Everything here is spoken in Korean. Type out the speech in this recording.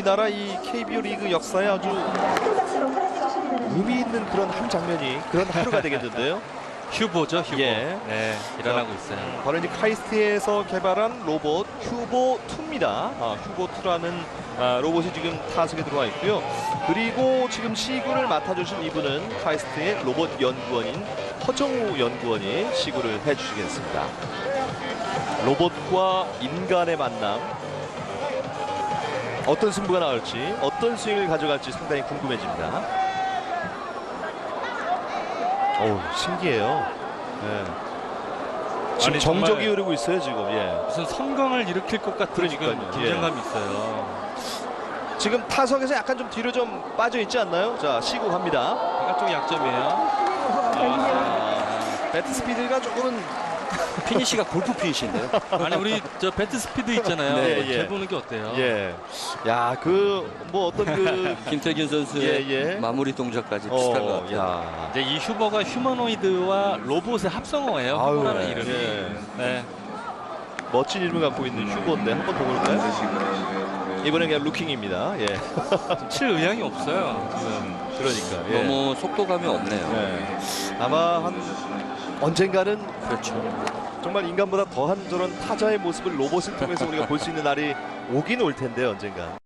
우리나라 이 KBO 리그 역사에 아주 의미 있는 그런 한 장면이 그런 하루가 되겠는데요. 휴보죠, 휴보. 예. 네, 일어나고 있어요. 바로 이제 카이스트에서 개발한 로봇 휴보2입니다. 휴보2라는 로봇이 지금 타석에 들어와 있고요. 그리고 지금 시구를 맡아주신 이분은 카이스트의 로봇 연구원인 허정우 연구원이 시구를 해주시겠습니다. 로봇과 인간의 만남, 어떤 승부가 나올지, 어떤 스윙을 가져갈지 상당히 궁금해집니다. 어우, 신기해요. 네. 지금 아니, 정적이 흐르고 있어요 지금. 예. 무슨 선광을 일으킬 것 같은 지금 그러니까요. 긴장감이 있어요. 지금 타석에서 약간 좀 뒤로 좀 빠져 있지 않나요? 자, 시구 갑니다. 바깥쪽이 약점이에요. 배트 스피드가 조금은 피니시가 골프 피니시인데요. 아니, 우리 저 배트 스피드 있잖아요. 네, 예. 제 보는 게 어때요? 예. 야, 그 뭐 어떤 그 김태균 선수의 예. 마무리 동작까지 비슷한 것 같아요. 야. 이제 이 휴버가 휴머노이드와 로봇의 합성어예요. 아유, 휴버라는 이름이. 예. 네. 멋진 이름을 갖고 있는 휴보인데 한번 더 볼까요? 이번엔 그냥 루킹입니다. 예. 칠 의향이 없어요. 그러니까. 예. 너무 속도감이 없네요. 예. 아마 한 언젠가는 그렇죠. 정말 인간보다 더한 저런 타자의 모습을 로봇을 통해서 우리가 볼 수 있는 날이 오긴 올 텐데 언젠가.